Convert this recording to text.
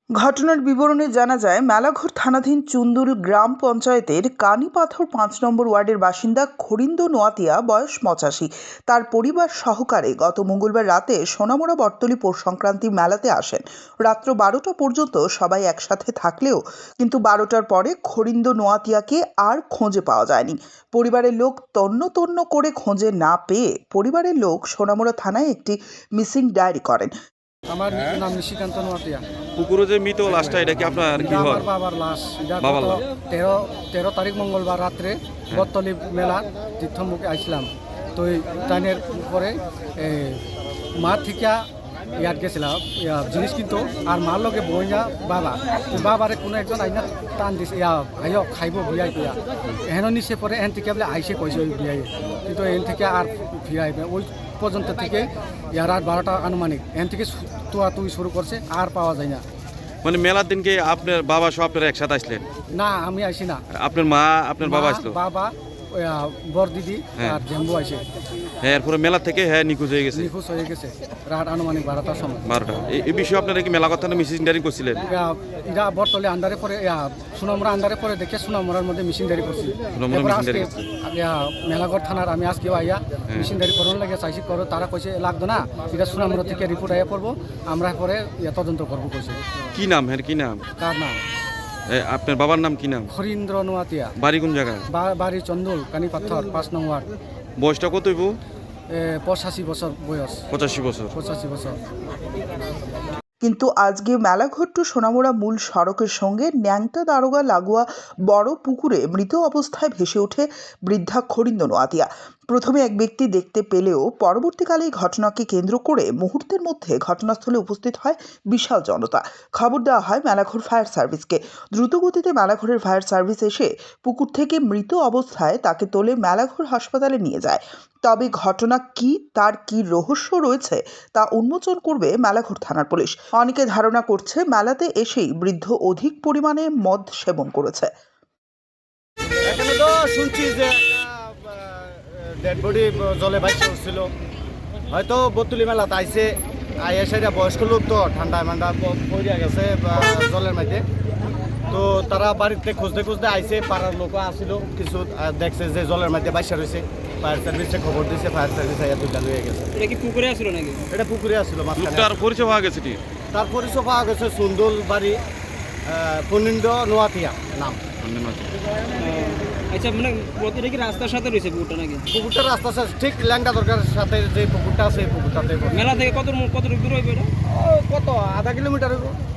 ঘটনার বিবরণে জানা যায়, মেলাঘর থানাধীন চুন্দুল গ্রাম পঞ্চায়েতের কানিপাথর ৫ নম্বর ওয়ার্ডের বাসিন্দা খরিন্দ নোয়াতিয়া, বয়স ৮৫। তার পরিবার সহকারে গত মঙ্গলবার রাতে সোনামুড়া বটতলী পৌষ সংক্রান্তি মেলাতে আসেন। রাত্র ১২টা পর্যন্ত সবাই একসাথে থাকলেও কিন্তু ১২টার পরে খরিন্দ নোয়াতিয়াকে আর খোঁজে পাওয়া যায়নি। পরিবারের লোক তন্ন তন্ন করে খোঁজে না পেয়ে পরিবারের লোক সোনামুড়া থানায় একটি মিসিং ডায়েরি করেন। আমার নাম নিশিকান্ত নোয়াতিয়া। পুকুরে যে মৃত লাশটা, এটা কি আপনার কি হয়? আমার বাবার লাশ। বাবার লাশ। 13 তারিখ মঙ্গলবার রাত্রে বটতলী মেলা তীর্থমুখে আইছিলাম। তো টাইনের পরে মা থেকে ইয়াত গেছিলাম জিনিস কিন্তু, আর মার লগে বইয়া বাবারে কোনো একজন আইনা টান দিছে, আইও খাইব বিয়াই কইয়া এহেন নিচে পরে এহেন থেকে বলে আইসে কইছে ওই বিয়াই, কিন্তু এহেন থেকে আর ফিরাইবে ওই পর্যন্ত থেকে রাত 12টা আনুমানিক এখান থেকে তুই শুরু করছে, আর পাওয়া যায় না। মানে মেলার দিনকে আপনার বাবা সব আপনারা একসাথে আসলেন? না, আমি আইসি না। আপনার মা, আপনার বাবা আসলো? বাবা, বর দিদি আর জেম্বু আইসে। হ্যাঁ, এরপরে মেলা থেকে নিখোঁজ হয়ে গেছে। নিখোঁজ হয়ে গেছে রাত আনুমানিক 12টার সময়। 12টা। এই বিষয়ে আপনারা কি মেলা কথা মিসিং ডায়েরি করছিলেন? এরা বটতলী আন্ডারে পরে সোনামুড়া আন্ডারে পরে দেখে সোনামুড়ার মধ্যে মিসিং ডায়েরি করছি। মেলাঘর থানার আমি আজকে আইয়া মিসিং ডায়েরি করার লাগে চাইছি করো, তারা কইছে লাগতো না, এটা সোনামুড়া থেকে রিপোর্ট আইয়া করবো, আমরা পরে তদন্ত করবো কইছে। কি নাম? হ্যাঁ, কি নাম? কার নাম? আপনার বাবার নাম কি নাম? খরিন্দ্র নোয়াতিয়া। বাড়ি কোন জায়গায়? বাড়ি চন্দুল, কানিপাথর, ৫ নং ওয়ার্ড। বয়সটা কত হইব? 85 বছর বয়স। 85 বছর। 85 বছর। কিন্তু আজকে মেলাঘর টু সোনামুড়া মূল সড়কের সঙ্গে ন্যাংটা দারোগা লাগোয়া বড় পুকুরে মৃত অবস্থায় ভেসে ওঠে বৃদ্ধা খরিন্দ নোয়াতিয়া। প্রথমে এক ব্যক্তি দেখতে পেলেও পরবর্তীকালে এই ঘটনাকে কেন্দ্র করে মুহূর্তের মধ্যে ঘটনাস্থলে উপস্থিত হয় বিশাল জনতা। খবর দেওয়া হয় মেলাঘর ফায়ার সার্ভিসকে। দ্রুতগতিতে মেলাঘরের ফায়ার সার্ভিস এসে পুকুর থেকে মৃত অবস্থায় তাকে তোলে মেলাঘর হাসপাতালে নিয়ে যায়। তবে ঘটনা কি, তার কি রহস্য রয়েছে তা উন্মোচন করবে মেলাঘর থানার পুলিশ। অনেকে ধারণা করছে মেলাতে এসেই বৃদ্ধ অধিক পরিমাণে মদ সেবন করেছে। এখানে তো শুনছি যে ডেড বডি জলে ভাসে উঠছিল, হয়তো বটতলী মেলাতে আইসে, আইসা বয়স্ক লোক তো ঠান্ডা মান্ডা পড়িয়া গেছে জলের মধ্যে। তো তারা বাড়িতে খুঁজতে খুঁজতে আইসে, পাড়ার লোকও আসছিল কিছু, দেখছে যে জলের মধ্যে বাইসা রয়েছে। ফায়ার সার্ভিসে খবর দিয়েছে, ফায়ার সার্ভিস আইয়া দুইটা লয়ে গেছে। এটা কি পুকুরে আসলো নাকি? এটা পুকুরে আসছিল। লোকটার পরিচয় পাওয়া গেছে কি? তার পরিচয় পাওয়া গেছে সুন্দর বাড়ি, খরিন্দ নোয়াতিয়া নাম। আচ্ছা, মানে প্রতিটা কি রাস্তার সাথে রয়েছে পুকুরটা নাকি? পুকুরটা রাস্তার সাথে ঠিক ল্যাংটা দরকার সাথে যে পুকুরটা আছে, এই পুকুরটাতে মেলা থেকে কত দূর হইবে এটা? কত আধা কিলোমিটার।